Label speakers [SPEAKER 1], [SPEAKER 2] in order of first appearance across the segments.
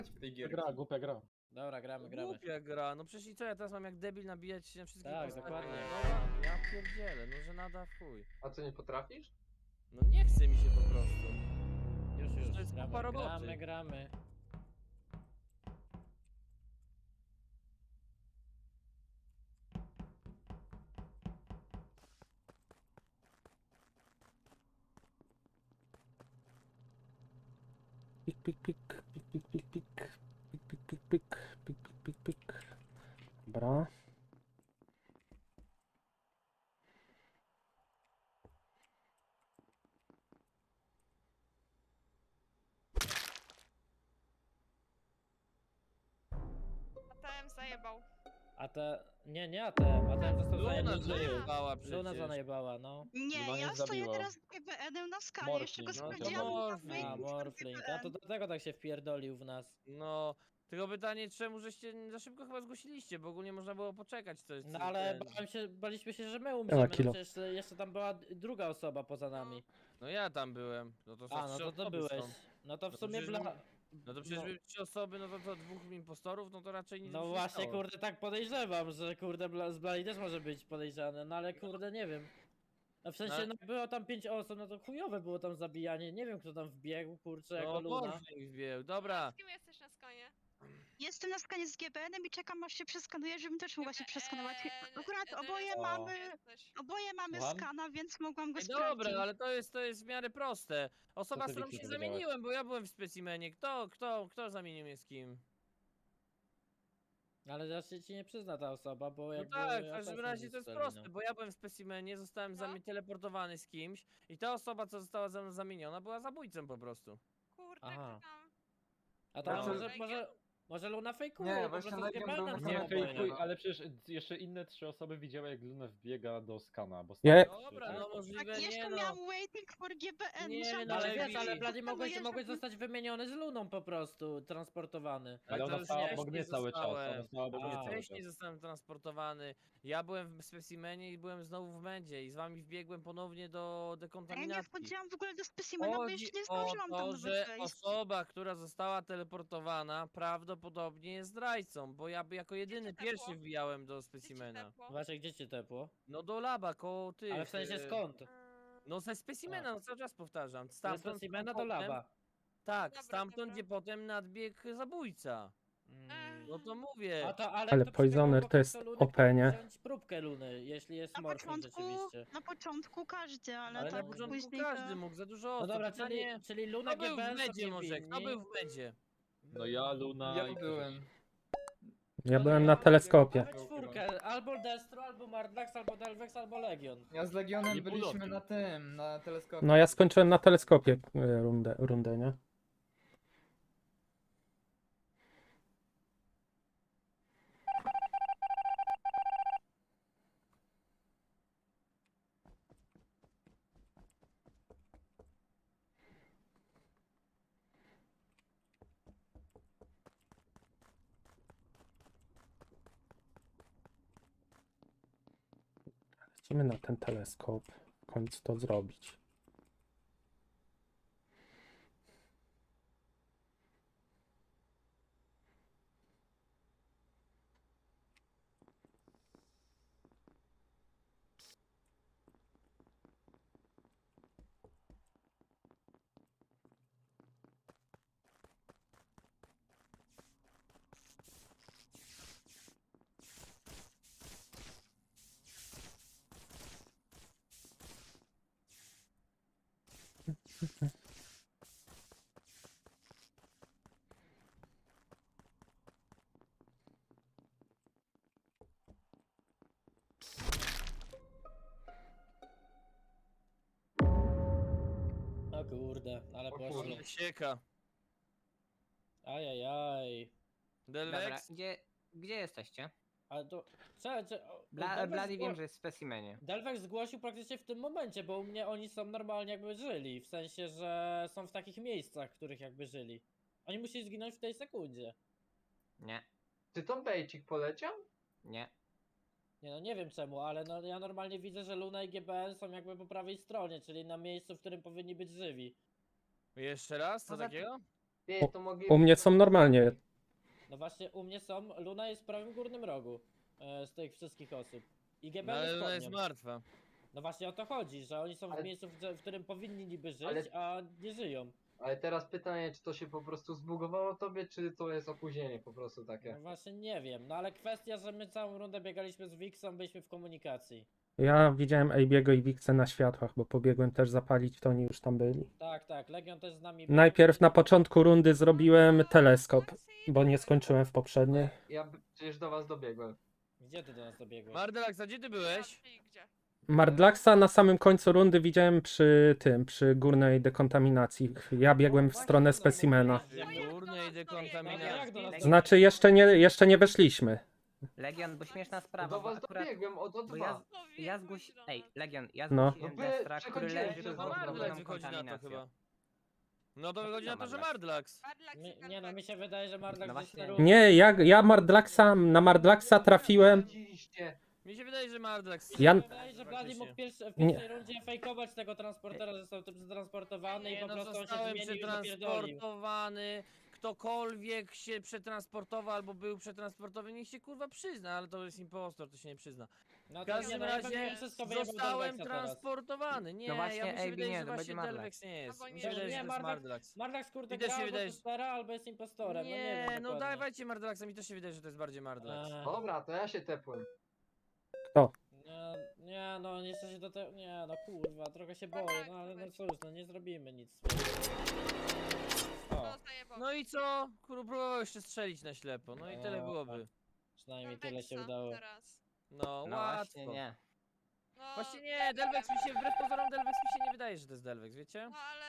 [SPEAKER 1] w tej gierki.
[SPEAKER 2] Gra, głupia gra.
[SPEAKER 3] Dobra, gramy.
[SPEAKER 4] Głupia gra, no przecież i co, ja teraz mam jak debil nabijać się na wszystkich
[SPEAKER 3] Tak,
[SPEAKER 4] postaciach?
[SPEAKER 3] dokładnie.
[SPEAKER 4] No, ja pierdzielę, no że nada w chuj.
[SPEAKER 1] A co, nie potrafisz?
[SPEAKER 4] No nie chce mi się po prostu.
[SPEAKER 3] Już,
[SPEAKER 4] To jest kupa roboty.
[SPEAKER 3] gramy.
[SPEAKER 2] Pik, pik, pik, pik, pik, pik, pik, pik, pik, pik, pik, pik, pik, pik, pik. Dobra.
[SPEAKER 5] ATM zajebał.
[SPEAKER 3] A te... Nie ATM. ATM został
[SPEAKER 4] Luna
[SPEAKER 3] zajebany.
[SPEAKER 4] zajebała przecież.
[SPEAKER 3] Luna zanajebała, no.
[SPEAKER 6] Nie,
[SPEAKER 2] Chyba nie
[SPEAKER 6] ja stoję
[SPEAKER 2] zabiło.
[SPEAKER 6] teraz z GBN-em na skanie, jeszcze go
[SPEAKER 2] Morphling, no to
[SPEAKER 6] sprawdziłam.
[SPEAKER 4] Morphling.
[SPEAKER 3] A, Morphling. A to dlatego tak się wpierdolił w nas.
[SPEAKER 4] No, tylko pytanie, czemu żeście za szybko chyba zgłosiliście, bo ogólnie można było poczekać coś.
[SPEAKER 3] No ale baliśmy się, że my umrzemy,
[SPEAKER 2] Dobra,
[SPEAKER 3] no
[SPEAKER 2] kilo.
[SPEAKER 3] przecież jeszcze tam była druga osoba poza nami.
[SPEAKER 4] No ja tam byłem. No to są
[SPEAKER 3] A, no
[SPEAKER 4] trzy
[SPEAKER 3] to
[SPEAKER 4] osoby
[SPEAKER 3] byłeś.
[SPEAKER 4] są.
[SPEAKER 3] No to w
[SPEAKER 4] No to
[SPEAKER 3] sumie
[SPEAKER 4] przecież
[SPEAKER 3] bla...
[SPEAKER 4] No to przecież
[SPEAKER 3] No.
[SPEAKER 4] były 3 osoby, no to dwóch impostorów, no to raczej nic
[SPEAKER 3] No
[SPEAKER 4] by się
[SPEAKER 3] właśnie,
[SPEAKER 4] stało.
[SPEAKER 3] kurde, tak podejrzewam, że kurde z Blali też może być podejrzany, no ale kurde, nie wiem. No w sensie, no było tam 5 osób, no to chujowe było tam zabijanie, nie wiem kto tam wbiegł, kurczę, jako
[SPEAKER 4] No
[SPEAKER 3] Luna.
[SPEAKER 4] Morphling wbiegł, dobra.
[SPEAKER 5] Z kim jesteś na skanie?
[SPEAKER 6] Jestem na skanie z GBN-em i czekam aż się przeskanuje, żebym też mogła się przeskanować. Akurat
[SPEAKER 5] Eden,
[SPEAKER 6] oboje
[SPEAKER 5] gdzie
[SPEAKER 6] mamy,
[SPEAKER 5] jesteś?
[SPEAKER 3] Słucham?
[SPEAKER 6] skana, więc mogłam go
[SPEAKER 4] Ej,
[SPEAKER 6] sprawdzić.
[SPEAKER 4] dobra, ale to jest w miarę proste. Osoba,
[SPEAKER 2] ty,
[SPEAKER 4] z którą
[SPEAKER 2] Wiki,
[SPEAKER 4] się
[SPEAKER 2] powiedziałaś?
[SPEAKER 4] zamieniłem, bo ja byłem w specimenie. Kto zamienił mnie z kim?
[SPEAKER 3] Ale raczej ci nie przyzna ta osoba, bo
[SPEAKER 4] No
[SPEAKER 3] jakby...
[SPEAKER 4] tak, w
[SPEAKER 3] ja
[SPEAKER 4] każdym
[SPEAKER 3] też
[SPEAKER 4] razie
[SPEAKER 3] nie
[SPEAKER 4] to jest
[SPEAKER 3] strzeli,
[SPEAKER 4] proste,
[SPEAKER 3] no.
[SPEAKER 4] bo ja byłem w specimenie, zostałem
[SPEAKER 5] No.
[SPEAKER 4] teleportowany z kimś i ta osoba, co została ze mną zamieniona, była zabójcą po prostu.
[SPEAKER 5] Kurde,
[SPEAKER 3] Aha.
[SPEAKER 5] kto tam?
[SPEAKER 3] A tam
[SPEAKER 4] No.
[SPEAKER 3] może Luna fejkuje,
[SPEAKER 1] Nie,
[SPEAKER 3] po
[SPEAKER 1] właśnie
[SPEAKER 3] prostu z
[SPEAKER 1] Legion był
[SPEAKER 3] GBN-em
[SPEAKER 1] na
[SPEAKER 3] są
[SPEAKER 2] Nie,
[SPEAKER 1] Fake
[SPEAKER 3] obojne.
[SPEAKER 2] fejkuj, ale przecież jeszcze inne 3 osoby widziały, jak Luna wbiega do skana, bo Ja-
[SPEAKER 4] Dobra, no
[SPEAKER 6] Tak,
[SPEAKER 4] możliwe,
[SPEAKER 6] jeszcze
[SPEAKER 4] nie no.
[SPEAKER 6] miałam waiting for GBN.
[SPEAKER 4] Nie,
[SPEAKER 6] musiałam
[SPEAKER 4] no,
[SPEAKER 3] No ale
[SPEAKER 4] ale
[SPEAKER 6] poczekać,
[SPEAKER 3] wiesz, ale
[SPEAKER 4] Wi-
[SPEAKER 3] Blady mogłeś
[SPEAKER 6] żeby-
[SPEAKER 3] zostać wymieniony z Luną po prostu, transportowany.
[SPEAKER 2] Ale
[SPEAKER 4] to
[SPEAKER 2] ona
[SPEAKER 4] już
[SPEAKER 2] stała
[SPEAKER 4] wcześniej
[SPEAKER 2] obok mnie cały czas,
[SPEAKER 4] zostałem.
[SPEAKER 2] ona stała obok mnie
[SPEAKER 3] A.
[SPEAKER 2] cały
[SPEAKER 4] Wcześniej
[SPEAKER 2] czas.
[SPEAKER 4] zostałem transportowany. Ja byłem w specimenie i byłem znowu w Mendzie i z wami wbiegłem ponownie do
[SPEAKER 6] Ja nie
[SPEAKER 4] dekontaminacji.
[SPEAKER 6] wchodziłam w ogóle do specimena, bo jeszcze nie
[SPEAKER 4] o
[SPEAKER 6] zdążyłam tam
[SPEAKER 4] to,
[SPEAKER 6] nawet
[SPEAKER 4] że
[SPEAKER 6] wejść.
[SPEAKER 4] osoba, która została teleportowana, prawdopodobnie jest zdrajcą, bo ja jako jedyny
[SPEAKER 5] tepło?
[SPEAKER 4] pierwszy wbijałem do
[SPEAKER 5] Gdzie ci
[SPEAKER 4] specimena.
[SPEAKER 5] tepło?
[SPEAKER 3] Właśnie, gdzie cię tepło?
[SPEAKER 4] No do laba, koło tych.
[SPEAKER 3] Ale w sensie skąd?
[SPEAKER 4] No ze specimena, no cały czas powtarzam.
[SPEAKER 3] Ze
[SPEAKER 4] Stamtąd
[SPEAKER 3] specimena do
[SPEAKER 4] potem-
[SPEAKER 3] laba.
[SPEAKER 4] Tak,
[SPEAKER 5] Dobra,
[SPEAKER 4] stamtąd
[SPEAKER 5] dobra.
[SPEAKER 4] gdzie potem nadbiegł zabójca. No to mówię.
[SPEAKER 3] A to,
[SPEAKER 2] Ale
[SPEAKER 3] kto przebiegał
[SPEAKER 2] Poisoner
[SPEAKER 3] obok
[SPEAKER 2] to jest
[SPEAKER 3] Luny,
[SPEAKER 2] OP,
[SPEAKER 3] kto
[SPEAKER 2] nie?
[SPEAKER 3] mógł wziąć próbkę Luny, jeśli jest
[SPEAKER 6] Na
[SPEAKER 3] Morphling rzeczywiście.
[SPEAKER 6] początku każdy, ale,
[SPEAKER 4] Ale na
[SPEAKER 6] tak
[SPEAKER 4] początku
[SPEAKER 6] później
[SPEAKER 4] każdy
[SPEAKER 6] to...
[SPEAKER 4] mógł, za dużo
[SPEAKER 3] No
[SPEAKER 4] osób.
[SPEAKER 3] dobra,
[SPEAKER 4] Pytanie,
[SPEAKER 3] czyli Luna
[SPEAKER 4] kto był w
[SPEAKER 3] GBN są
[SPEAKER 4] medzie może? Kto
[SPEAKER 3] niewinni.
[SPEAKER 4] był w medzie?
[SPEAKER 2] No ja, Luna
[SPEAKER 1] Ja
[SPEAKER 2] i...
[SPEAKER 1] byłem.
[SPEAKER 2] Ja
[SPEAKER 3] No
[SPEAKER 2] byłem
[SPEAKER 3] ja
[SPEAKER 2] na
[SPEAKER 3] mam
[SPEAKER 2] teleskopie.
[SPEAKER 3] Mamy czwórkę, albo Destro, albo Mardlax, albo Delvex, albo Legion.
[SPEAKER 1] Ja z Legionem
[SPEAKER 2] Nie
[SPEAKER 1] byliśmy
[SPEAKER 2] północy.
[SPEAKER 1] na tym, na teleskopie.
[SPEAKER 2] No ja skończyłem na teleskopie rundę, nie? Lecimy na ten teleskop, w końcu to zrobić.
[SPEAKER 3] O kurde, ale
[SPEAKER 1] O
[SPEAKER 3] poszło.
[SPEAKER 1] kurde.
[SPEAKER 4] Sieka.
[SPEAKER 3] Ajajaj.
[SPEAKER 7] Dobra,
[SPEAKER 4] Delvex?
[SPEAKER 7] gdzie jesteście?
[SPEAKER 3] Ale to... Czekaj,
[SPEAKER 7] Blady wiem, że jest w specimenie.
[SPEAKER 3] Delvex zgłosił praktycznie w tym momencie, bo u mnie oni są normalnie jakby żyli. W sensie, że są w takich miejscach, w których jakby żyli. Oni musieli zginąć w tej sekundzie.
[SPEAKER 7] Nie,
[SPEAKER 1] Czy to Bejcik poleciał?
[SPEAKER 7] nie.
[SPEAKER 3] Nie no, nie wiem czemu, ale no ja normalnie widzę, że Luna i GBN są jakby po prawej stronie, czyli na miejscu, w którym powinni być żywi.
[SPEAKER 4] Jeszcze raz? Co
[SPEAKER 7] Poza tym-
[SPEAKER 4] takiego?
[SPEAKER 1] Ty, to mogli...
[SPEAKER 2] U mnie są normalnie.
[SPEAKER 3] No właśnie, u mnie są, Luna jest w prawym górnym rogu. Z tych wszystkich osób. I
[SPEAKER 4] No,
[SPEAKER 3] GBN
[SPEAKER 4] ale
[SPEAKER 3] jest
[SPEAKER 4] ona
[SPEAKER 3] pod
[SPEAKER 4] jest
[SPEAKER 3] nią.
[SPEAKER 4] martwa.
[SPEAKER 3] No właśnie o to chodzi, że oni są w
[SPEAKER 1] Ale-
[SPEAKER 3] miejscu, w którym powinni niby żyć,
[SPEAKER 1] Ale-
[SPEAKER 3] a nie żyją.
[SPEAKER 1] Ale teraz pytanie, czy to się po prostu zbugowało tobie, czy to jest opóźnienie po prostu takie?
[SPEAKER 3] No właśnie nie wiem, no ale kwestia, że my całą rundę biegaliśmy z Wixą, byliśmy w komunikacji.
[SPEAKER 2] Ja widziałem AB'ego i Wixę na światłach, bo pobiegłem też zapalić, to oni już tam byli.
[SPEAKER 3] Tak, Legion też z nami był.
[SPEAKER 2] Najpierw na początku rundy zrobiłem teleskop, bo nie skończyłem w poprzedniej.
[SPEAKER 1] Przecież do was dobiegłem.
[SPEAKER 3] Gdzie ty do nas dobiegłeś?
[SPEAKER 4] Mardelax, a gdzie ty byłeś?
[SPEAKER 5] I gdzie?
[SPEAKER 2] Mardlaxa na samym końcu rundy widziałem przy górnej dekontaminacji. Ja biegłem w stronę specimena.
[SPEAKER 4] Górnej
[SPEAKER 3] No to jak do
[SPEAKER 4] dekontaminacji.
[SPEAKER 3] nas
[SPEAKER 2] Znaczy jeszcze nie weszliśmy.
[SPEAKER 7] Legion, bo śmieszna sprawa,
[SPEAKER 1] Do
[SPEAKER 7] bo
[SPEAKER 1] was
[SPEAKER 7] akurat...
[SPEAKER 1] dobiegłem, o do
[SPEAKER 7] Bo
[SPEAKER 1] dwa.
[SPEAKER 7] ja zgłosiłem... Ej, Legion, ja
[SPEAKER 2] No.
[SPEAKER 7] zgłosiłem
[SPEAKER 1] No wy
[SPEAKER 7] Destra, który
[SPEAKER 1] przechodziłeś
[SPEAKER 7] leży
[SPEAKER 1] przez
[SPEAKER 7] pod
[SPEAKER 1] Mardelax
[SPEAKER 4] Mardelax
[SPEAKER 7] drobną
[SPEAKER 4] wychodzi na to
[SPEAKER 7] kontaminacją.
[SPEAKER 4] chyba. No to wychodzi na to, że
[SPEAKER 7] Mardelax.
[SPEAKER 4] Mardelax.
[SPEAKER 3] Nie no, mi się wydaje, że Mardlax
[SPEAKER 7] No
[SPEAKER 3] gdzieś
[SPEAKER 7] właśnie.
[SPEAKER 3] na rundzie.
[SPEAKER 2] Nie, ja na Mardlaxa trafiłem.
[SPEAKER 1] Widzieliście.
[SPEAKER 4] Mi się wydaje, że Mardelax.
[SPEAKER 2] Ja-
[SPEAKER 3] Mi się wydaje, że Bloody mógł w pierwszej rundzie fejkować tego transportera, że został tu przetransportowany i
[SPEAKER 4] Nie,
[SPEAKER 3] po
[SPEAKER 4] no
[SPEAKER 3] prostu on się
[SPEAKER 4] zostałem
[SPEAKER 3] zmienił i zapierdolił.
[SPEAKER 4] przetransportowany. Ktokolwiek się przetransportował albo był przetransportowany, niech się kurwa przyzna, ale to jest impostor, to się nie przyzna.
[SPEAKER 3] No
[SPEAKER 4] W
[SPEAKER 3] to
[SPEAKER 4] każdym
[SPEAKER 3] nie, no ja bym
[SPEAKER 4] razie
[SPEAKER 3] mimo wszystko wyjebał
[SPEAKER 4] zostałem
[SPEAKER 3] Delvexa teraz.
[SPEAKER 4] transportowany. Nie,
[SPEAKER 7] No właśnie,
[SPEAKER 4] ja mi się
[SPEAKER 7] AB
[SPEAKER 4] wydaje,
[SPEAKER 7] nie,
[SPEAKER 4] że
[SPEAKER 7] to
[SPEAKER 4] właśnie
[SPEAKER 7] będzie
[SPEAKER 4] Delvex nie jest.
[SPEAKER 5] Albo
[SPEAKER 4] Mi się
[SPEAKER 5] nie,
[SPEAKER 4] wydaje, że
[SPEAKER 3] nie,
[SPEAKER 4] to jest
[SPEAKER 3] Mardlax-
[SPEAKER 4] Mardelax.
[SPEAKER 3] Mardlax kurde
[SPEAKER 4] Mi też
[SPEAKER 3] gra
[SPEAKER 4] się
[SPEAKER 3] albo
[SPEAKER 4] wydaje, że-
[SPEAKER 3] Testera, albo jest impostorem, no nie
[SPEAKER 4] Nie,
[SPEAKER 3] wiem
[SPEAKER 4] no
[SPEAKER 3] dokładnie.
[SPEAKER 4] dawajcie Mardelaxa, mi też się wydaje, że to jest bardziej Mardelax.
[SPEAKER 1] Dobra, to ja się tepłem.
[SPEAKER 3] Nie, no nie chcę się do tego, nie no kurwa, trochę się boję, no ale no cóż, no nie zrobimy nic. O,
[SPEAKER 5] No, zajebał.
[SPEAKER 4] No i co? Próbował jeszcze strzelić na ślepo, no i tyle
[SPEAKER 3] O,
[SPEAKER 4] byłoby.
[SPEAKER 3] przynajmniej tyle się
[SPEAKER 5] Delvexa
[SPEAKER 3] udało.
[SPEAKER 5] Teraz.
[SPEAKER 4] No,
[SPEAKER 7] No
[SPEAKER 4] łatwo.
[SPEAKER 7] właśnie nie.
[SPEAKER 5] No,
[SPEAKER 4] Właśnie nie, Delvex mi się, wbrew pozorom Delvex mi się nie wydaje, że to jest Delvex, wiecie?
[SPEAKER 5] No ale...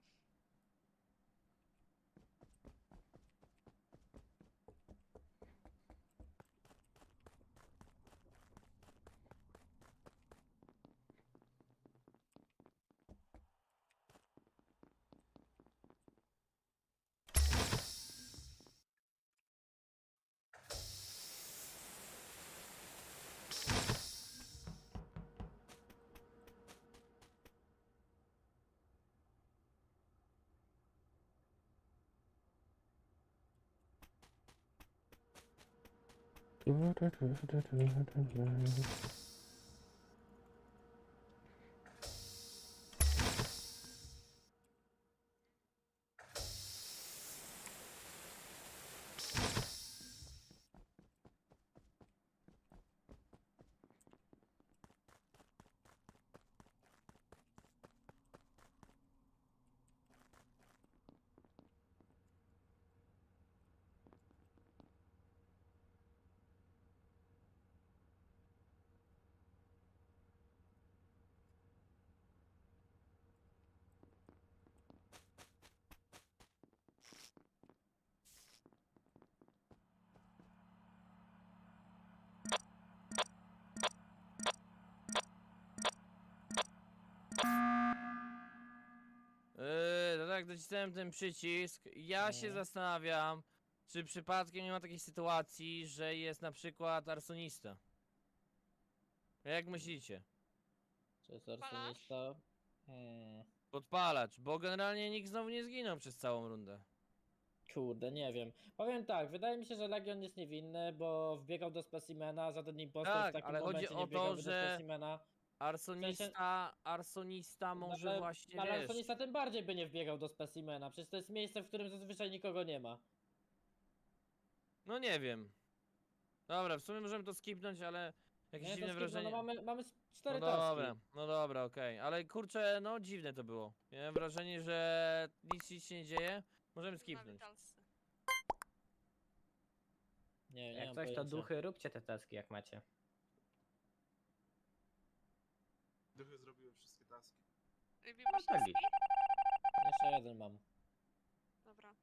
[SPEAKER 4] No tak, docisnąłem ten przycisk. Ja się zastanawiam, czy przypadkiem nie ma takiej sytuacji, że jest na przykład arsonista. Jak myślicie?
[SPEAKER 3] Czy jest arsonista?
[SPEAKER 4] Podpalacz, bo generalnie nikt znowu nie zginął przez całą rundę.
[SPEAKER 3] Kurde, nie wiem. Powiem tak, wydaje mi się, że Legion jest niewinny, bo wbiegał do specimena, żaden impostor
[SPEAKER 4] Tak,
[SPEAKER 3] w takim
[SPEAKER 4] ale chodzi
[SPEAKER 3] momencie
[SPEAKER 4] o
[SPEAKER 3] nie
[SPEAKER 4] to,
[SPEAKER 3] biegałby
[SPEAKER 4] że
[SPEAKER 3] do specimena.
[SPEAKER 4] Arsonista może
[SPEAKER 3] ale,
[SPEAKER 4] właśnie,
[SPEAKER 3] ale
[SPEAKER 4] wiesz...
[SPEAKER 3] arsonista tym bardziej by nie wbiegał do specimena, przecież to jest miejsce, w którym zazwyczaj nikogo nie ma.
[SPEAKER 4] No nie wiem. Dobra, w sumie możemy to skipnąć, ale jakieś
[SPEAKER 3] Nie, to
[SPEAKER 4] dziwne
[SPEAKER 3] skip,
[SPEAKER 4] wrażenie.
[SPEAKER 3] no mamy
[SPEAKER 4] No
[SPEAKER 3] 4
[SPEAKER 4] dobra, no dobra, okej. Ale kurczę, no dziwne to było. Miałem wrażenie, że nic się nie dzieje. Możemy
[SPEAKER 5] Na
[SPEAKER 4] skipnąć.
[SPEAKER 5] witalsy.
[SPEAKER 3] Nie
[SPEAKER 7] Jak
[SPEAKER 3] mam
[SPEAKER 7] coś, to
[SPEAKER 3] pojęcia.
[SPEAKER 7] duchy, róbcie te taski jak macie.
[SPEAKER 8] Duchy zrobiły wszystkie taski.
[SPEAKER 5] Robiłeś
[SPEAKER 7] No to
[SPEAKER 5] taski?
[SPEAKER 7] git.
[SPEAKER 3] Jeszcze jeden mam.
[SPEAKER 5] Dobra.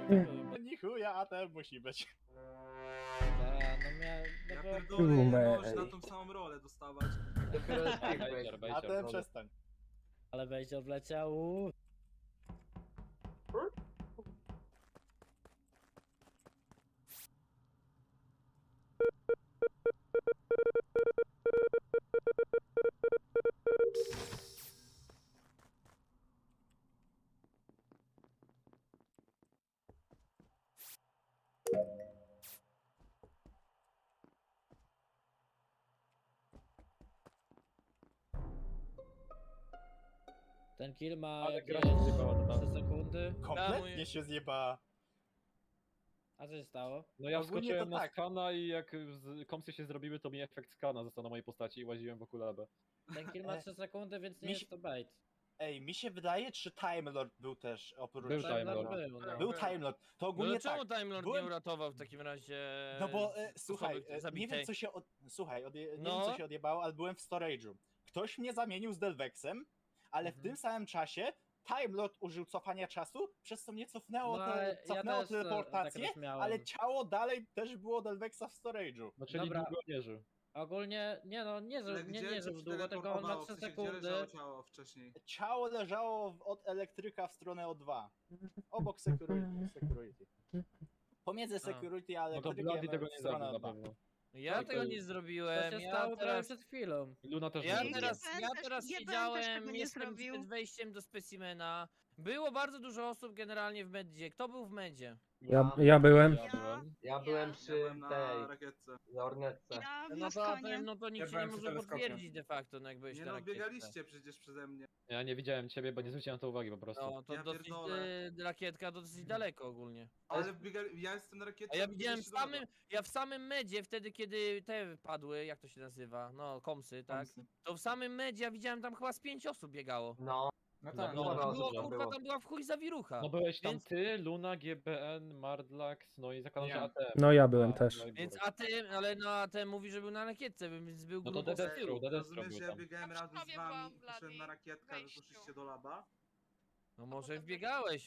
[SPEAKER 3] chuj.
[SPEAKER 9] Ni chuja, ATM musi być.
[SPEAKER 3] No miałem, no
[SPEAKER 8] Ja
[SPEAKER 3] bo...
[SPEAKER 8] pierdolę, nie
[SPEAKER 2] Ej.
[SPEAKER 8] można tą samą rolę dostawać.
[SPEAKER 1] Dopiero jest clickbait.
[SPEAKER 9] ATM przestań.
[SPEAKER 3] Ale wejście wleciał. Ten kill ma
[SPEAKER 10] Ale
[SPEAKER 3] jakieś
[SPEAKER 10] gra się zjebała totalnie.
[SPEAKER 3] 3 sekundy.
[SPEAKER 9] Kompletnie się zjebała.
[SPEAKER 3] A co się stało?
[SPEAKER 10] No ja
[SPEAKER 9] Ogólnie
[SPEAKER 10] wskoczyłem
[SPEAKER 9] to
[SPEAKER 10] na
[SPEAKER 9] tak.
[SPEAKER 10] skana i jak komsy się zrobiły, to mi efekt skana został na mojej postaci i łaziłem wokół laba.
[SPEAKER 3] Ten kill ma 3 sekundy, więc nie
[SPEAKER 9] mi
[SPEAKER 3] jest to bait.
[SPEAKER 9] Ej, mi się wydaje, czy Time Lord był też oprócz...
[SPEAKER 10] Był Time Lord.
[SPEAKER 3] Był, no.
[SPEAKER 9] Był Time Lord. To
[SPEAKER 4] No
[SPEAKER 9] ogólnie
[SPEAKER 4] to czemu
[SPEAKER 9] tak.
[SPEAKER 4] Time Lord
[SPEAKER 9] byłem-
[SPEAKER 4] nie uratował w takim razie?
[SPEAKER 9] No bo,
[SPEAKER 4] osoby
[SPEAKER 9] słuchaj, nie
[SPEAKER 4] zabitej?
[SPEAKER 9] wiem co się słuchaj, nie wiem
[SPEAKER 4] No.
[SPEAKER 9] co się odjebało, ale byłem w storage'u. Ktoś mnie zamienił z Delvexem, ale w tym samym czasie Time Lord użył cofania czasu, przez co mnie cofnęło,
[SPEAKER 3] No, ale ja
[SPEAKER 9] cofnęło
[SPEAKER 3] też,
[SPEAKER 9] teleportację,
[SPEAKER 3] tak też miałem.
[SPEAKER 9] ale ciało dalej też było Delvexa w storage'u.
[SPEAKER 10] No czyli
[SPEAKER 3] Dobra.
[SPEAKER 10] długo nie żył.
[SPEAKER 3] Ogólnie, nie no, nie
[SPEAKER 8] Ale
[SPEAKER 3] żył,
[SPEAKER 8] gdzie
[SPEAKER 3] nie
[SPEAKER 8] cię
[SPEAKER 3] żył długo, tylko on ma
[SPEAKER 8] przeteleportowało?
[SPEAKER 3] 3
[SPEAKER 8] W sensie, gdzie
[SPEAKER 3] sekundy.
[SPEAKER 8] leżało ciało wcześniej?
[SPEAKER 9] Ciało leżało od elektryka w stronę O2. Obok security. Pomiędzy security a
[SPEAKER 10] No to
[SPEAKER 9] elektrykiem
[SPEAKER 10] Bloody tego
[SPEAKER 9] w
[SPEAKER 10] nie
[SPEAKER 9] stronę
[SPEAKER 10] zrobił na
[SPEAKER 9] O2.
[SPEAKER 10] pewno.
[SPEAKER 4] Ja
[SPEAKER 10] Tak,
[SPEAKER 4] tego
[SPEAKER 10] to-
[SPEAKER 4] nie
[SPEAKER 3] To
[SPEAKER 4] zrobiłem.
[SPEAKER 3] się
[SPEAKER 4] Ja
[SPEAKER 3] stało prawie
[SPEAKER 4] teraz,
[SPEAKER 3] przed chwilą.
[SPEAKER 10] Luna też
[SPEAKER 4] ja
[SPEAKER 10] nie
[SPEAKER 4] teraz,
[SPEAKER 10] zrobił.
[SPEAKER 4] ja
[SPEAKER 6] też-
[SPEAKER 4] teraz
[SPEAKER 6] GBN też
[SPEAKER 4] siedziałem,
[SPEAKER 6] tego nie
[SPEAKER 4] jestem
[SPEAKER 6] zrobił.
[SPEAKER 4] przed wejściem do specimena. Było bardzo dużo osób generalnie w medzie. Kto był w medzie?
[SPEAKER 2] Ja byłem.
[SPEAKER 10] Ja byłem.
[SPEAKER 1] Ja byłem
[SPEAKER 8] Ja
[SPEAKER 1] przy
[SPEAKER 8] byłem na
[SPEAKER 1] tej
[SPEAKER 8] rakietce.
[SPEAKER 1] lornetce.
[SPEAKER 6] Ja
[SPEAKER 4] No
[SPEAKER 6] na
[SPEAKER 4] to,
[SPEAKER 6] skanie.
[SPEAKER 4] no to nikt
[SPEAKER 11] Ja
[SPEAKER 4] się nie
[SPEAKER 11] byłem przy
[SPEAKER 4] może
[SPEAKER 11] teleskopie.
[SPEAKER 4] potwierdzić de facto, no jak byłeś
[SPEAKER 8] Nie
[SPEAKER 4] na
[SPEAKER 8] no,
[SPEAKER 4] rakietce.
[SPEAKER 8] biegaliście przecież przeze mnie.
[SPEAKER 10] Ja nie widziałem ciebie, bo nie zwróciłem na to uwagi po prostu.
[SPEAKER 4] No to
[SPEAKER 8] Ja
[SPEAKER 4] dosyć,
[SPEAKER 8] pierdolę.
[SPEAKER 4] rakietka to dosyć daleko ogólnie.
[SPEAKER 8] Ale ja jestem na rakietce.
[SPEAKER 4] A ja
[SPEAKER 8] a wy
[SPEAKER 4] widziałem
[SPEAKER 8] biegaliście do laba.
[SPEAKER 4] ja w samym medzie, wtedy kiedy te padły, jak to się nazywa, no komsy, tak?
[SPEAKER 11] Komsy.
[SPEAKER 4] To w samym medzie ja widziałem tam chyba z 5 osób biegało.
[SPEAKER 1] No,
[SPEAKER 11] No
[SPEAKER 10] No,
[SPEAKER 11] tak,
[SPEAKER 10] no,
[SPEAKER 4] No,
[SPEAKER 1] sporo
[SPEAKER 4] to
[SPEAKER 1] osób
[SPEAKER 4] było,
[SPEAKER 1] tam
[SPEAKER 4] kurwa,
[SPEAKER 1] było.
[SPEAKER 4] tam była w chuj zawirucha.
[SPEAKER 10] No byłeś tam
[SPEAKER 4] Więc-
[SPEAKER 10] ty, Luna, GBN, Mardlax, no i zakładam,
[SPEAKER 11] Nie.
[SPEAKER 10] że ATM.
[SPEAKER 2] No ja byłem
[SPEAKER 10] A,
[SPEAKER 2] też.
[SPEAKER 10] no i
[SPEAKER 4] Więc
[SPEAKER 10] Burek.
[SPEAKER 4] ATM, ale no ATM mówi, że był na rakietce, więc był
[SPEAKER 10] No to
[SPEAKER 4] grupą z
[SPEAKER 10] Dedestro,
[SPEAKER 4] tyłu.
[SPEAKER 10] Dedestro
[SPEAKER 8] Rozumiesz,
[SPEAKER 10] był
[SPEAKER 8] że ja
[SPEAKER 10] tam.
[SPEAKER 8] biegałem
[SPEAKER 5] Ja
[SPEAKER 8] razem z
[SPEAKER 5] prawie
[SPEAKER 8] wami,
[SPEAKER 5] byłam w
[SPEAKER 8] poszedłem
[SPEAKER 5] Bloody
[SPEAKER 8] na rakietkę, wy
[SPEAKER 5] wejściu.
[SPEAKER 8] poszliście do laba.
[SPEAKER 4] No może
[SPEAKER 5] potem
[SPEAKER 4] wbiegałeś,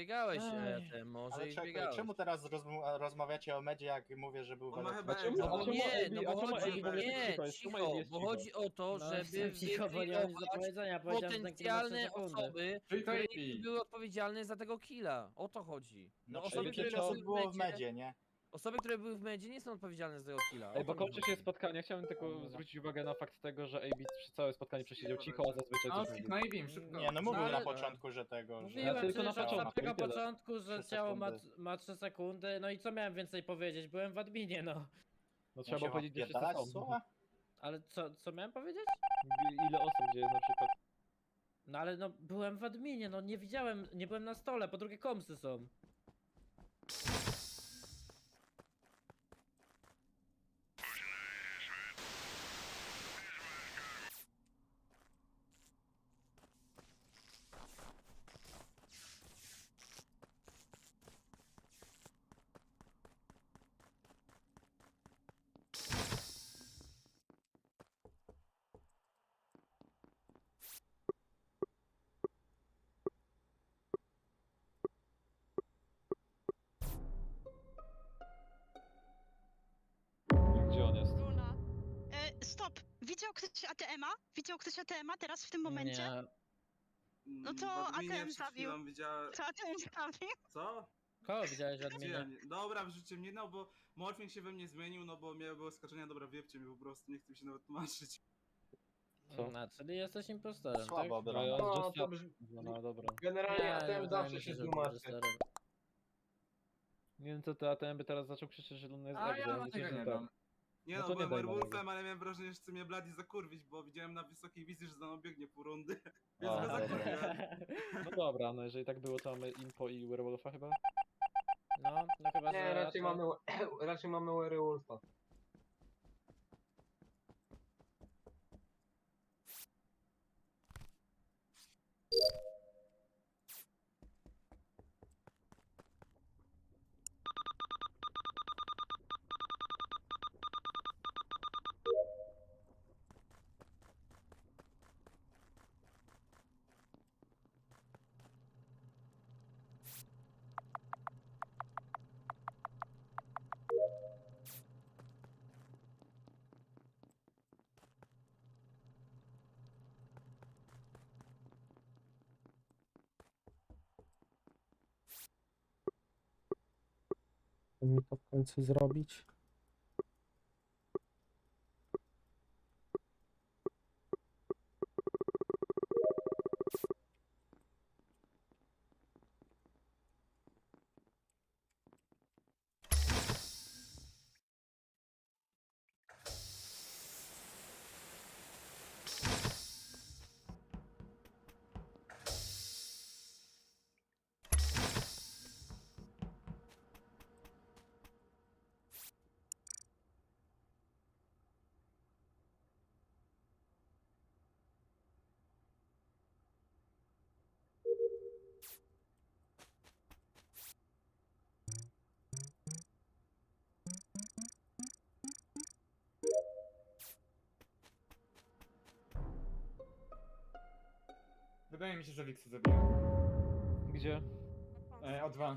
[SPEAKER 3] Ej.
[SPEAKER 4] ATM, może
[SPEAKER 9] Ale
[SPEAKER 4] i
[SPEAKER 9] czekaj,
[SPEAKER 4] wbiegałeś.
[SPEAKER 9] czemu teraz rozmawiacie o medzie, jak mówię, że był w
[SPEAKER 8] On ma
[SPEAKER 9] elektryku?
[SPEAKER 8] chyba
[SPEAKER 10] czemu-
[SPEAKER 4] No
[SPEAKER 10] a
[SPEAKER 4] bo
[SPEAKER 10] czemu
[SPEAKER 4] nie,
[SPEAKER 10] AB
[SPEAKER 4] no bo
[SPEAKER 10] a czemu
[SPEAKER 4] chodzi,
[SPEAKER 10] AB jest
[SPEAKER 4] nie,
[SPEAKER 10] cicho? Czemu AB
[SPEAKER 4] cicho,
[SPEAKER 10] jest
[SPEAKER 4] bo
[SPEAKER 10] cicho?
[SPEAKER 4] chodzi o to,
[SPEAKER 3] No,
[SPEAKER 4] żeby
[SPEAKER 3] jestem cicho, bo nie mam nic do
[SPEAKER 4] wyeliminować
[SPEAKER 3] powiedzenia. Powiedziałem, że ten kill ma 3
[SPEAKER 4] potencjalne
[SPEAKER 3] sekundy.
[SPEAKER 4] osoby,
[SPEAKER 11] Czyli to
[SPEAKER 4] które
[SPEAKER 11] AP.
[SPEAKER 4] nie były odpowiedzialne za tego killa. O to chodzi. No
[SPEAKER 9] No,
[SPEAKER 4] osoby,
[SPEAKER 9] czyli
[SPEAKER 4] które
[SPEAKER 9] kilka osób
[SPEAKER 4] były
[SPEAKER 9] było w medzie, nie?
[SPEAKER 4] Osoby, które były w medzie nie są odpowiedzialne za tego killa.
[SPEAKER 10] Ej,
[SPEAKER 4] O
[SPEAKER 10] bo
[SPEAKER 4] to mi
[SPEAKER 10] kończy się
[SPEAKER 4] chodzi.
[SPEAKER 10] spotkanie, chciałem tylko zwrócić uwagę na fakt tego, że AB przez całe spotkanie przesiedział cicho, a zazwyczaj
[SPEAKER 11] No,
[SPEAKER 10] coś
[SPEAKER 11] skip
[SPEAKER 10] mówił.
[SPEAKER 11] na Ibim, szybko.
[SPEAKER 9] Nie, no mówił
[SPEAKER 3] ale-
[SPEAKER 9] na początku, że tego, że...
[SPEAKER 3] Mówiłem
[SPEAKER 10] tylko na
[SPEAKER 3] przecież od
[SPEAKER 10] początku,
[SPEAKER 3] samego
[SPEAKER 10] i tyle.
[SPEAKER 3] początku, że
[SPEAKER 9] 3
[SPEAKER 3] ciało
[SPEAKER 9] sekundy.
[SPEAKER 3] ma 3 sekundy. No i co miałem więcej powiedzieć? Byłem w adminie, no.
[SPEAKER 10] No trzeba
[SPEAKER 9] się
[SPEAKER 10] było powiedzieć, że wszyscy
[SPEAKER 9] wpierdalać
[SPEAKER 10] są.
[SPEAKER 9] słowa?
[SPEAKER 3] Ale co miałem powiedzieć?
[SPEAKER 10] Ile osób gdzie jest na przykład?
[SPEAKER 3] No ale no byłem w adminie, no nie widziałem, nie byłem na stole, po drugie komsy są.
[SPEAKER 10] Gdzie on jest?
[SPEAKER 5] Luna.
[SPEAKER 6] Stop! Widział ktoś ATM-a? Widział ktoś ATM-a teraz w tym momencie?
[SPEAKER 3] Nie.
[SPEAKER 6] No to
[SPEAKER 8] W adminie
[SPEAKER 6] ATM
[SPEAKER 8] przed
[SPEAKER 6] zabił.
[SPEAKER 8] chwilą widziałem...
[SPEAKER 6] Co ATM sprawił?
[SPEAKER 8] Co?
[SPEAKER 3] Kogo widziałeś w
[SPEAKER 8] Gdzie ja
[SPEAKER 3] adminie?
[SPEAKER 8] nie... Dobra, wrzućcie mnie, no bo Morfing się we mnie zmienił, no bo miało skoczenia, dobra, wiepcie mnie po prostu, nie chcę mi się nawet tłumaczyć.
[SPEAKER 10] Co?
[SPEAKER 3] No, czyli jesteś impostorem,
[SPEAKER 9] Słabo
[SPEAKER 3] tak?
[SPEAKER 9] obrona.
[SPEAKER 1] No,
[SPEAKER 10] Just
[SPEAKER 1] to
[SPEAKER 10] that-
[SPEAKER 1] brzmi...
[SPEAKER 10] No dobra.
[SPEAKER 1] Generalnie
[SPEAKER 3] Nie,
[SPEAKER 1] ATM
[SPEAKER 3] wydaje
[SPEAKER 1] zawsze
[SPEAKER 3] mi
[SPEAKER 1] się
[SPEAKER 3] że
[SPEAKER 1] tłumaczy.
[SPEAKER 3] impostorem.
[SPEAKER 10] Nie wiem co to ATM by teraz zaczął krzyczeć, że Luna jest
[SPEAKER 11] A
[SPEAKER 10] egzem,
[SPEAKER 11] ja na
[SPEAKER 10] więc
[SPEAKER 11] tego
[SPEAKER 10] jest
[SPEAKER 11] nie
[SPEAKER 10] tak.
[SPEAKER 11] dam.
[SPEAKER 8] Nie
[SPEAKER 10] No
[SPEAKER 8] no,
[SPEAKER 10] to nie
[SPEAKER 8] byłem
[SPEAKER 10] daj na
[SPEAKER 8] werewolfem, ale miałem wrażenie, że chce mnie Bloody zakurwić, bo widziałem na wysokiej wizji, że za mną biegnie pół rundy. Więc
[SPEAKER 10] A,
[SPEAKER 8] go
[SPEAKER 10] dobra.
[SPEAKER 8] zakurwiłem.
[SPEAKER 10] No dobra, no jeżeli tak było, to mamy Impo i Werewolfa chyba?
[SPEAKER 3] No chyba,
[SPEAKER 1] Nie,
[SPEAKER 3] że...
[SPEAKER 1] raczej mamy, raczej mamy Werewolfa.
[SPEAKER 2] mi to w końcu zrobić.
[SPEAKER 11] Wydaje mi się, że Wixy zabiła.
[SPEAKER 10] Gdzie?
[SPEAKER 11] O 2.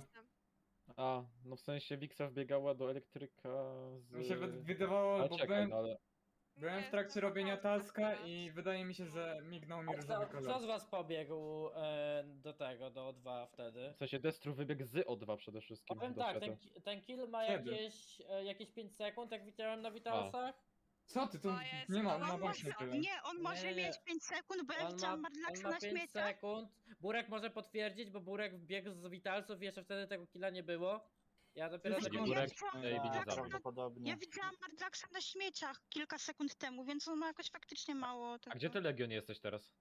[SPEAKER 10] A, no w sensie Wixa wbiegała do elektryka z...
[SPEAKER 11] Mi się wydawało,
[SPEAKER 10] Ale
[SPEAKER 11] bo
[SPEAKER 10] czekaj, no ale...
[SPEAKER 11] byłem w trakcie robienia taska i wydaje mi się, że mignął mi
[SPEAKER 3] A
[SPEAKER 11] różowy
[SPEAKER 3] kto z
[SPEAKER 11] kolor.
[SPEAKER 3] was pobiegł do tego, do O2 wtedy?
[SPEAKER 10] W sensie Destru wybiegł z O2 przede wszystkim
[SPEAKER 3] Powiem
[SPEAKER 10] do
[SPEAKER 3] tak,
[SPEAKER 10] świata.
[SPEAKER 3] ten kill ma
[SPEAKER 11] Kiedy?
[SPEAKER 3] jakieś 5 sekund, jak widziałem na Witalsach.
[SPEAKER 11] Co ty, to
[SPEAKER 5] To jest
[SPEAKER 11] nie ma,
[SPEAKER 5] on
[SPEAKER 11] ma
[SPEAKER 6] On
[SPEAKER 11] właśnie
[SPEAKER 6] może,
[SPEAKER 11] tyle.
[SPEAKER 6] nie, on może
[SPEAKER 3] Nie, nie.
[SPEAKER 6] mieć 5 sekund, bo ja
[SPEAKER 3] On
[SPEAKER 6] widziałam
[SPEAKER 3] ma
[SPEAKER 6] Mardlaxa na
[SPEAKER 3] 5
[SPEAKER 6] śmieciach.
[SPEAKER 3] sekund. Burek może potwierdzić, bo Burek wbiegł z Witalsów i jeszcze wtedy tego killa nie było. Ja dopiero
[SPEAKER 11] Wiesz,
[SPEAKER 3] tego...
[SPEAKER 11] nie,
[SPEAKER 10] Burek
[SPEAKER 6] widziałam
[SPEAKER 10] AB nie
[SPEAKER 6] Mardlaxa
[SPEAKER 10] zabił.
[SPEAKER 9] Prawdopodobnie.
[SPEAKER 6] Ja widziałam Mardlaxa na śmieciach kilka sekund temu, więc on ma jakoś faktycznie mało tego.
[SPEAKER 10] A gdzie ty Legion jesteś teraz?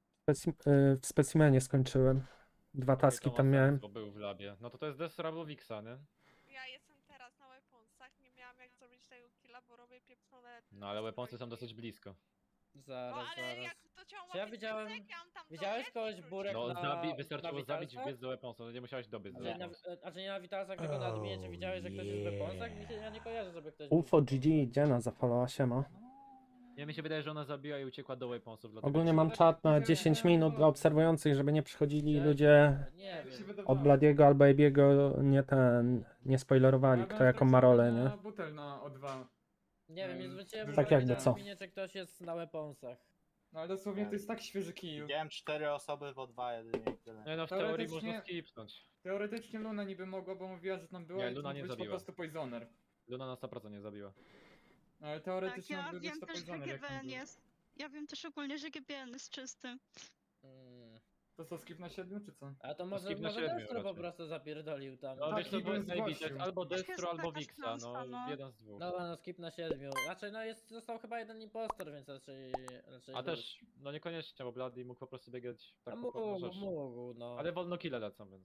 [SPEAKER 2] W specimenie skończyłem. 2
[SPEAKER 10] Okej,
[SPEAKER 2] taski
[SPEAKER 10] to ma
[SPEAKER 2] tam
[SPEAKER 10] sens,
[SPEAKER 2] miałem.
[SPEAKER 10] Bo był w labie. No to jest Destru albo Wixa, nie?
[SPEAKER 5] Ja jestem teraz na weaponsach, nie miałam jak zrobić tego killa, bo robię pieprzone...
[SPEAKER 10] No ale weaponsy są dosyć blisko.
[SPEAKER 5] No
[SPEAKER 3] Zaraz,
[SPEAKER 5] ale
[SPEAKER 3] zaraz.
[SPEAKER 5] jak to ciało ma
[SPEAKER 3] Czy ja
[SPEAKER 5] 5
[SPEAKER 3] widziałem-
[SPEAKER 5] sekund, ja mam tam
[SPEAKER 3] widziałeś
[SPEAKER 5] dobiec
[SPEAKER 3] kogoś,
[SPEAKER 5] i wrócić?
[SPEAKER 3] Burek,
[SPEAKER 10] No
[SPEAKER 3] na
[SPEAKER 10] wystarczyło zabić i
[SPEAKER 3] Witalsach?
[SPEAKER 10] wbiec do weaponsów, no nie musiałeś dobiec do
[SPEAKER 3] A nie,
[SPEAKER 10] weaponsów.
[SPEAKER 3] a nie na Witalsach, tylko na adminie, czy widziałeś, że ktoś jest w weaponsach? Ja nie kojarzę, żeby ktoś...
[SPEAKER 2] UFO GG, Dziena zafollowa, siema.
[SPEAKER 10] Nie, mi się wydaje, że ona zabiła i uciekła do weaponsów. dlatego
[SPEAKER 2] Ogólnie
[SPEAKER 10] się-
[SPEAKER 2] mam czat na 10 minut dla obserwujących, żeby nie przychodzili ludzie
[SPEAKER 3] Nie
[SPEAKER 11] Mi się
[SPEAKER 3] wiem.
[SPEAKER 11] wydawało.
[SPEAKER 2] od Bladiego albo Ebiego, nie spoilerowali,
[SPEAKER 11] Ja
[SPEAKER 2] kto
[SPEAKER 11] byłem w
[SPEAKER 2] jaką
[SPEAKER 11] trakcie
[SPEAKER 2] ma rolę,
[SPEAKER 11] robienia
[SPEAKER 2] nie?
[SPEAKER 11] butel na O2.
[SPEAKER 3] Nie wiem, nie zwróciłem
[SPEAKER 11] Tak
[SPEAKER 3] uwagi
[SPEAKER 2] jakby
[SPEAKER 3] na
[SPEAKER 2] co.
[SPEAKER 3] adminie, czy ktoś jest na weaponsach.
[SPEAKER 11] No ale dosłownie to jest tak świeży kill.
[SPEAKER 9] Widziałem 4 osoby w O2 jedynie i tyle.
[SPEAKER 10] Nie no, w teorii
[SPEAKER 11] Teoretycznie-
[SPEAKER 10] można skipnąć.
[SPEAKER 11] Teoretycznie Luna niby mogła, bo mówiła, że tam była
[SPEAKER 10] Nie,
[SPEAKER 11] i
[SPEAKER 10] Luna
[SPEAKER 11] to
[SPEAKER 10] nie
[SPEAKER 11] mógł być po
[SPEAKER 10] zabiła.
[SPEAKER 11] prostu poisoner.
[SPEAKER 10] Luna na 100% nie zabiła.
[SPEAKER 11] Ale
[SPEAKER 6] Tak,
[SPEAKER 11] teoretycznie
[SPEAKER 6] ja
[SPEAKER 11] mógłby być
[SPEAKER 6] wiem
[SPEAKER 11] to
[SPEAKER 6] też, że
[SPEAKER 11] poisoner jak tam
[SPEAKER 6] GBN
[SPEAKER 11] był.
[SPEAKER 6] jest. Ja wiem też ogólnie, że GBN jest czystym.
[SPEAKER 3] Mm.
[SPEAKER 11] To co, skip na 7 czy co?
[SPEAKER 3] A to może,
[SPEAKER 10] skip na
[SPEAKER 3] może
[SPEAKER 10] siedmiu
[SPEAKER 3] Destro po
[SPEAKER 10] raczej.
[SPEAKER 3] prostu zapierdolił tam.
[SPEAKER 10] No
[SPEAKER 11] Tak,
[SPEAKER 10] wiesz co,
[SPEAKER 11] i
[SPEAKER 10] bo
[SPEAKER 11] bym
[SPEAKER 10] jest najbliżej,
[SPEAKER 11] zgłosił.
[SPEAKER 10] jest albo
[SPEAKER 6] To jest
[SPEAKER 10] Destro, albo
[SPEAKER 6] taka
[SPEAKER 10] Wixa,
[SPEAKER 6] szansa,
[SPEAKER 10] no
[SPEAKER 6] no.
[SPEAKER 10] jeden z dwóch.
[SPEAKER 3] Dobra, no skip na 7. Raczej no został chyba jeden impostor, więc raczej
[SPEAKER 10] A
[SPEAKER 3] luz.
[SPEAKER 10] też, no niekoniecznie, bo Bloody mógł po prostu biegać tak
[SPEAKER 3] No
[SPEAKER 10] po prostu
[SPEAKER 3] mógł,
[SPEAKER 10] rzecz.
[SPEAKER 3] mógł, no.
[SPEAKER 10] Ale wolno kile lecą, więc.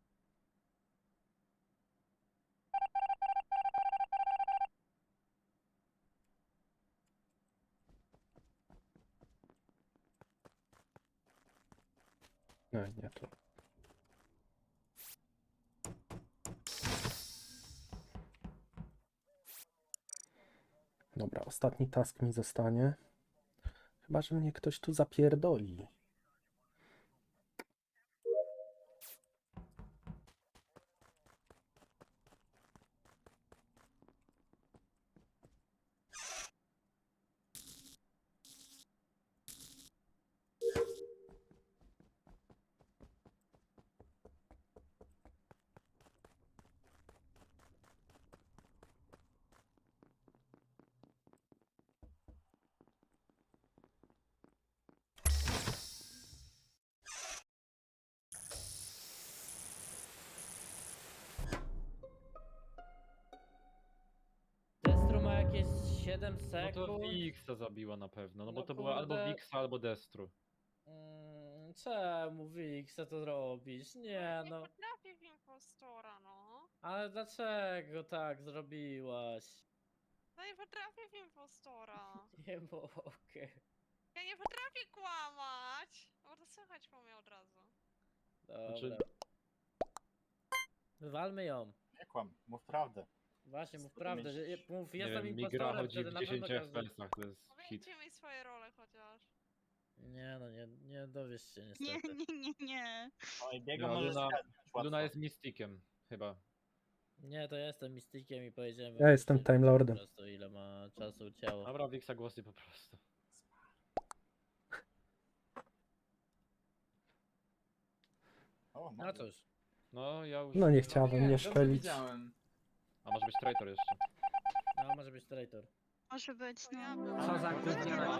[SPEAKER 2] Nie to. Dobra, ostatni task mi zostanie. Chyba, że mnie ktoś tu zapierdoli.
[SPEAKER 3] Destro ma jakieś 7
[SPEAKER 10] No
[SPEAKER 3] sekund.
[SPEAKER 10] to Wixa zabiła na pewno, no bo
[SPEAKER 3] No
[SPEAKER 10] to była albo
[SPEAKER 3] kurde.
[SPEAKER 10] Wixa, albo Destru.
[SPEAKER 3] Czemu Wixa to robisz? Nie
[SPEAKER 5] Nie
[SPEAKER 3] no.
[SPEAKER 5] potrafię w impostora, no.
[SPEAKER 3] Ale dlaczego tak zrobiłaś?
[SPEAKER 5] No nie potrafię w impostora.
[SPEAKER 3] Nie mogę.
[SPEAKER 5] Ja nie potrafię kłamać. Bo to słychać po mnie od razu.
[SPEAKER 3] Dobra.
[SPEAKER 10] Znaczy-
[SPEAKER 3] Wywalmy ją.
[SPEAKER 9] Nie kłam, mów prawdę.
[SPEAKER 3] Właśnie, mów
[SPEAKER 9] Co ty
[SPEAKER 3] prawdę.
[SPEAKER 9] myślisz?
[SPEAKER 3] Mów,
[SPEAKER 10] Nie
[SPEAKER 3] jestem
[SPEAKER 10] wiem, mi gra
[SPEAKER 3] impostorem,
[SPEAKER 10] chodzi
[SPEAKER 3] wtedy
[SPEAKER 10] w
[SPEAKER 3] na pewno
[SPEAKER 10] 10
[SPEAKER 3] każdy...
[SPEAKER 10] FPS-ach, to jest hit.
[SPEAKER 5] Powiedzcie mi swoje role chociaż.
[SPEAKER 3] Nie no, nie dowiesz się
[SPEAKER 6] Nie,
[SPEAKER 3] niestety.
[SPEAKER 6] nie.
[SPEAKER 9] Oj, biega
[SPEAKER 10] No,
[SPEAKER 9] może
[SPEAKER 10] Luna-
[SPEAKER 9] zgadnąć łatwo.
[SPEAKER 10] Luna jest Mystikiem, chyba.
[SPEAKER 3] Nie, to ja jestem mistykiem i powiedziałem...
[SPEAKER 2] Ja jestem
[SPEAKER 3] wam, że
[SPEAKER 2] Time Lordem.
[SPEAKER 3] Po prostu ile ma czasu ciało.
[SPEAKER 10] Dobra, Wixa głosy po prostu.
[SPEAKER 9] O,
[SPEAKER 3] No cóż.
[SPEAKER 10] No ja już...
[SPEAKER 2] No nie chciałbym
[SPEAKER 11] Nie,
[SPEAKER 2] nie
[SPEAKER 11] dobrze
[SPEAKER 2] szczelić.
[SPEAKER 11] widziałem.
[SPEAKER 10] A może być traitor jeszcze.
[SPEAKER 3] No, może być traitor.
[SPEAKER 6] Może być,
[SPEAKER 5] To ja
[SPEAKER 6] no.
[SPEAKER 5] byłam.
[SPEAKER 7] Co za gówniana